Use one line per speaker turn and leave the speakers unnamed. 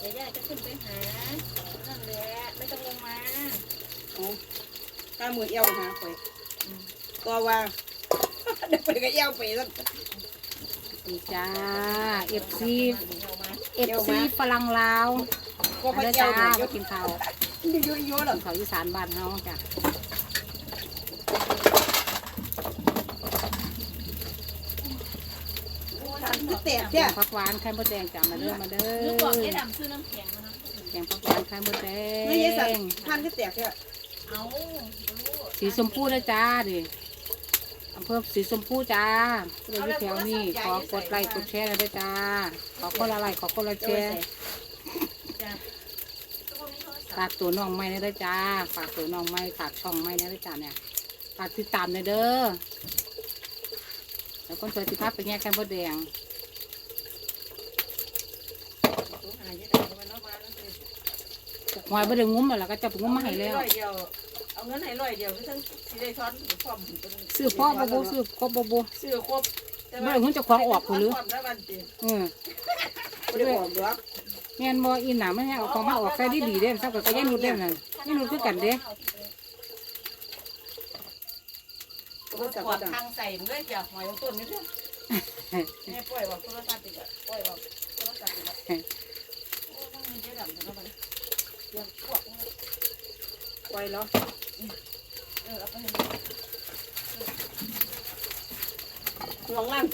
ดี๋ยวย่าจะขึ้นไปหานั่นแหละไม่ต้องลงมา
โอ้ข้ามือเอวหาไปก็ว่าเดี๋ยวไปก็เอวไปแล้ว
นี่จ้าเอฟซีฝรั่งลาว
ก็พ
มา
อ
เด้อ
เอ
จ้าว
หน่อย
มากินข้าว
เยอะๆหรอ
กินข้าวอีสานบ้านเฮาจ้ะ
แตก
แก
เนี่ย
งผักหวานไข่มดแดงจ้ะมาเด้อมาเด้อ
นึกบอกให้ดำซื้อน้ำแข็งมานะ
แกงผักหวานไข่มดแด
ไม่ใช่สัต
ง
ว์พันก็แตกเนี่ย
เอารู้
สีชมพูนะจ้าดิอำเภอสีชมพูจ้าผู้ใดอยู่แถวนี้ขอกดไลค์กดแชร์ด้วยจ้าขอคนละไลค์ขอคนละแชร์
จ้ะ
ฝากตัวน้องไม้นะด้วยจ้าฝากตัวน้องไม้ฝากช่องไม้นะด้วยจ้าเนี่ยฝากติดตามหน่อยเด้อแล้วคนสวยสิภาพเป็นไงไข่มดแดงหอยบ่ได้งุ้มแล้วก็จะไปงุ้มมาให้แล้ว
เอาเงินให้100เดียวทั้งสิได้ช้อนพร้อม
ซื้อพ่อบ่บ่ซื้อครบบ่บ่
ซื้อครบ
บ่ได้เงินเจ้าของออกพุ่นหรือ
ไม่ได้บอกหรอก
แม่นบ่อีหน่ามันให้เอาของมาออกใส่ดีๆเด้ซับก็ยังนุดเด้นั่นยังนุดคือกันเด้
ก็จะ
กอดทางใส่เมื่อจะหอยต้นนี่เด้อแม่ปล่อยว่าโทรศัพท์ติดอ่ะปล่อยว่าโทรศัพท์ติดอ่ะโอ้ต้องมีเจ๊ดำนะมันเดี๋ยวพวก
ปล่อยแล้ว
เอาไปให้
ลองล่าง